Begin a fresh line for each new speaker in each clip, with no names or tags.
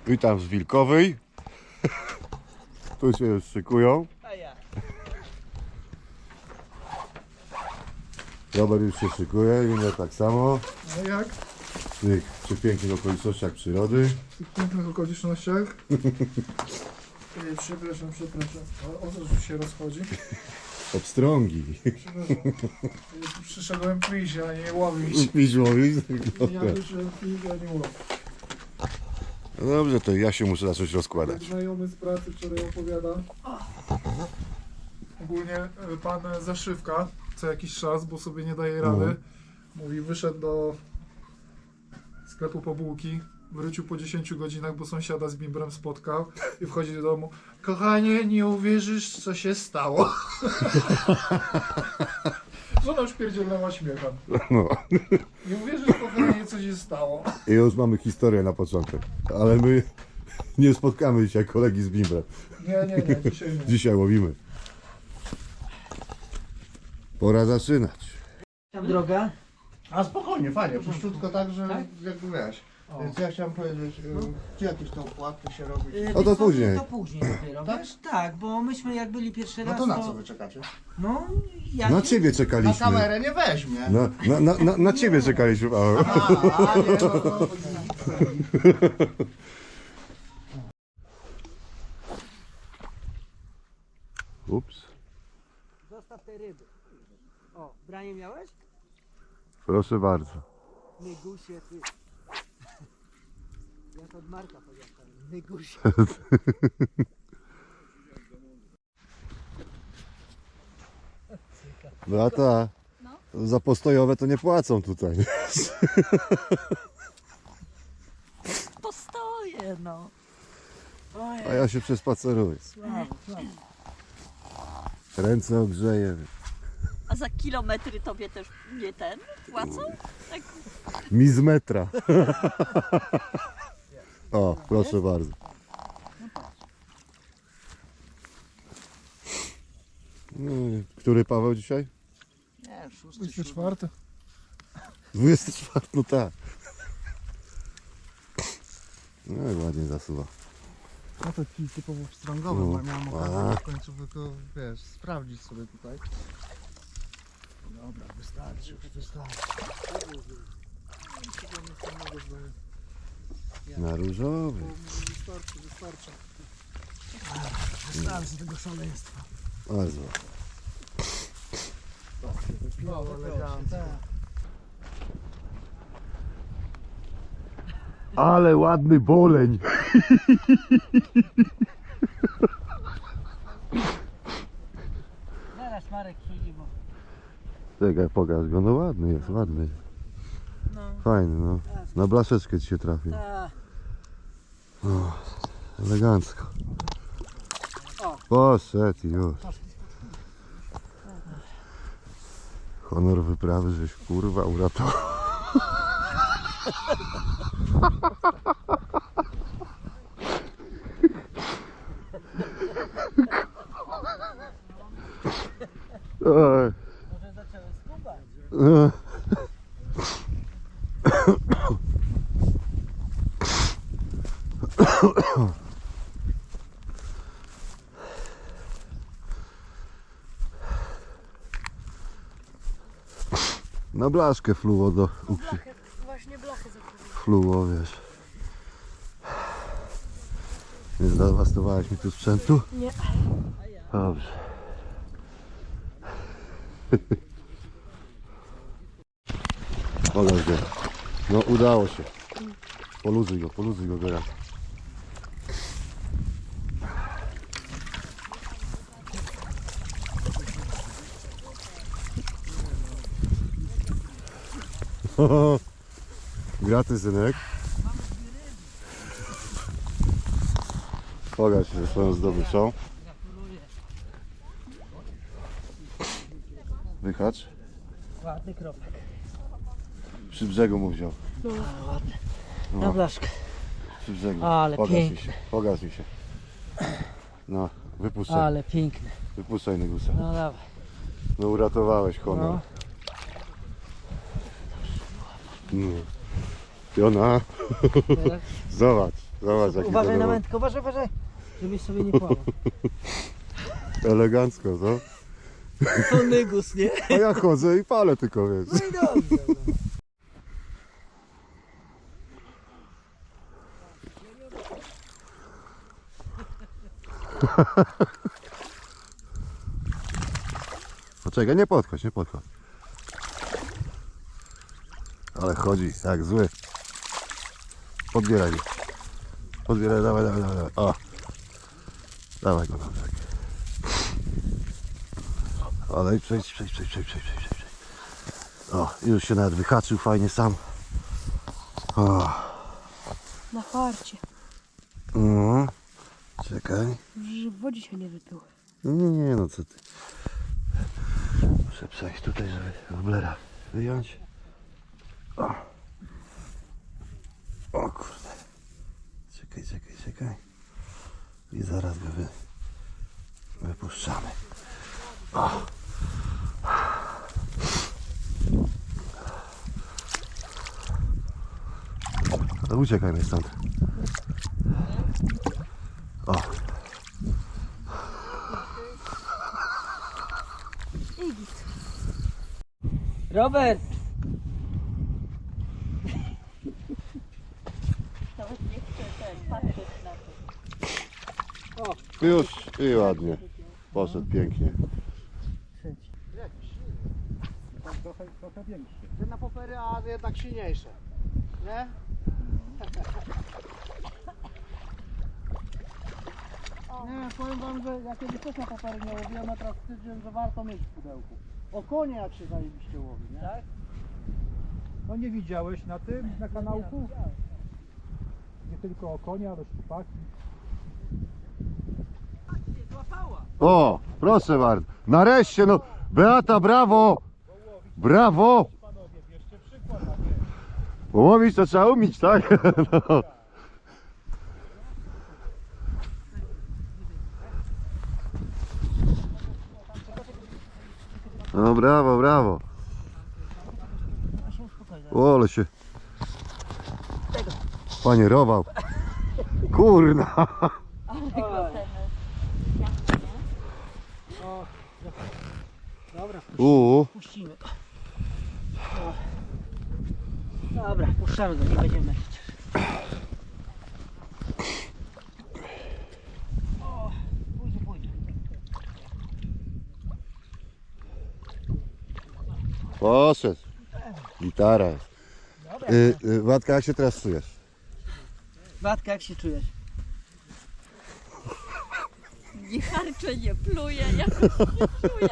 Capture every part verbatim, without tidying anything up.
Witam z Wilkowej. Tu się już szykują.
A ja.
Robert już się szykuje, inne tak samo.
No jak?
W tych przepięknych okolicznościach przyrody.
W tych pięknych okolicznościach. Ej, przepraszam, przepraszam. O, o co tu się rozchodzi?
Obstrągi.
Przepraszam. Ja tu przyszedłem pić, a nie łowić.
Pić łowić?
Ja przyszedłem pić, a nie łowić.
No dobrze, to ja się muszę zacząć
Jak
rozkładać.
znajomy z pracy wczoraj opowiada. Ogólnie e, pan Zaszywka co jakiś czas, bo sobie nie daje rady.
Mhm.
Mówi, wyszedł do sklepu po bułki. Wrócił po dziesięciu godzinach, bo sąsiada z bimbrem spotkał i wchodzi do domu. Kochanie, nie uwierzysz, co się stało. Żona już pierdzielnęła śmiechem.
No.
Nie uwierzysz, kochanie, co się stało.
I już mamy historię na początek. Ale my nie spotkamy dzisiaj kolegi z Bimbrem.
Nie, nie, nie, dzisiaj nie.
Dzisiaj łowimy. Pora zaczynać.
Tam droga.
A spokojnie, fajnie, puszczutko tak, że
Tak?
jakby wiesz.
O.
Więc ja chciałem powiedzieć, y, gdzie jakieś te opłaty się robi?
Y,
O, to
wiesz co,
później.
To później dopiero,
Tak?
wiesz? Tak, bo myśmy jak byli pierwszy
No
raz,
to na co wy czekacie?
No, ja
Na
nie-
ciebie
Na
czekaliśmy.
kamerę nie weźmie.
Na, na, na, na, na ciebie czekaliśmy. O.
A, a nie, no to...
Ups.
Zostaw te ryby. O, branie miałeś?
Proszę bardzo.
Nygusie, ty. Jak od Marka powiedziałem. Nygusie.
Brata, za postojowe to nie płacą tutaj.
Postoję, no.
A ja się przespaceruję.
Słabo, słabo.
Ręce ogrzeję.
A za kilometry tobie też nie ten płacą? Tak.
Mi z metra. O, proszę bardzo. No, i który Paweł dzisiaj?
Nie, szósty,
dwudziesty czwarty.
dwudziesty czwarty, no tak. No i ładnie zasuwa.
No to kij typowo pstrągowy,
No.
bo miałem
A.
okazję w końcu tylko, wiesz, sprawdzić sobie tutaj. Dobra, wystarczy, już wystarczy.
Na różowy.
Wystarczy, wystarczy.
Wystarczy tego szaleństwa.
Bardzo.
No, elegancko.
Ale ładny boleń.
Zaraz Marek siedzi, bo...
Czekaj, pokaż go. No ładny jest, ładny.
No,
Fajny, no. Na blaszeczkę ci się trafił.
ta.
Elegancko.
O.
Poszedł i już. Honor wyprawy, żeś kurwa uratował. Oj.
Może zaczęły skubać.
E. Na blaszkę fluo do ukrzy.
Właśnie blachy zakryły.
Fluo, wiesz. Nie zdewastowałeś mi tu sprzętu?
Nie.
Dobrze. Pokaż go. No udało się. Poluzuj go, poluzuj go teraz. Graty, synek. Pokaż się ze swoją zdobyczą. Wychacz.
Ładny kropek.
Przy brzegu mu wziął.
Na blaszkę.
Przy brzegu.
Ale
Pokaż mi
piękny.
się. Pokaż mi się. No, wypuszczaj.
Ale piękny.
Wypuszczaj Nygusa.
No dawaj.
No uratowałeś honor.
No.
No. Piona.
Teraz
Zobacz. Zobacz jaki
Uważaj na
zadowolony.
wędkę, uważaj, uważaj. Żebyś sobie nie płamał.
Elegancko, co?
To nygus, nie?
A ja chodzę i palę tylko, wiesz.
No i dobrze. No.
Poczekaj, nie podchodź, nie podchodź. Ale chodzi jak zły. Podbieraj go. Podbieraj, dawaj, dawaj, dawaj, dawaj. O. Dawaj go, dawaj. Ale przejdź, przejdź, przejdź, przejdź, przejdź, przejdź, przejdź. O, już się nawet wyhaczył fajnie sam. O.
Na farcie.
No. Czekaj.
Że w wodzie się nie wypyły.
Nie, nie, no co ty. Muszę przejść tutaj, żeby woblera wyjąć. O. O kurde. Czekaj, czekaj, czekaj. I zaraz go wy... wypuszczamy. O. No uciekajmy stąd. O.
Robert!
Nawet nie chcę ten, patrzeć na to.
Już i ładnie. Poszedł pięknie.
Trochę, trochę większy.
Że na popery, a jednak silniejsze. Nie? Nie, powiem wam, że ja kiedyś też na popery nie łowiłem, a teraz stwierdziłem, że warto mieć w pudełku. O konie jak się zajebiście łowi, nie? Tak?
No nie widziałeś na tym, na kanałku? Nie tylko o konia, ale szczupaki.
Złapała!
O, proszę bardzo. Nareszcie, no. Beata, brawo. Brawo. Bo łowić to trzeba umieć, tak? No. No brawo, brawo. O, ale się panierował. Kurna.
Dobra,
U.
puścimy go. O. Dobra, puszczamy go, nie będziemy męczyć. O, pójdzie, pójdzie.
Poszedł. Gitara jest. Y, y, Władka, jak się teraz czujesz?
Batka, jak się czujesz?
Nie harczę, nie pluję, jakoś nie czuję.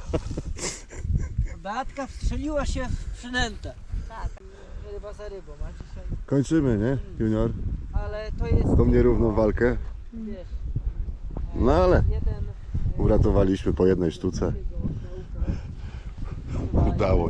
Beatka wstrzeliła się w przynętę.
Tak.
Ryba za rybą, a dzisiaj...
Kończymy, nie, Junior?
Ale to jest...
Tą nierówną walkę.
Wiesz,
No ale
jeden...
uratowaliśmy po jednej sztuce. Udało się.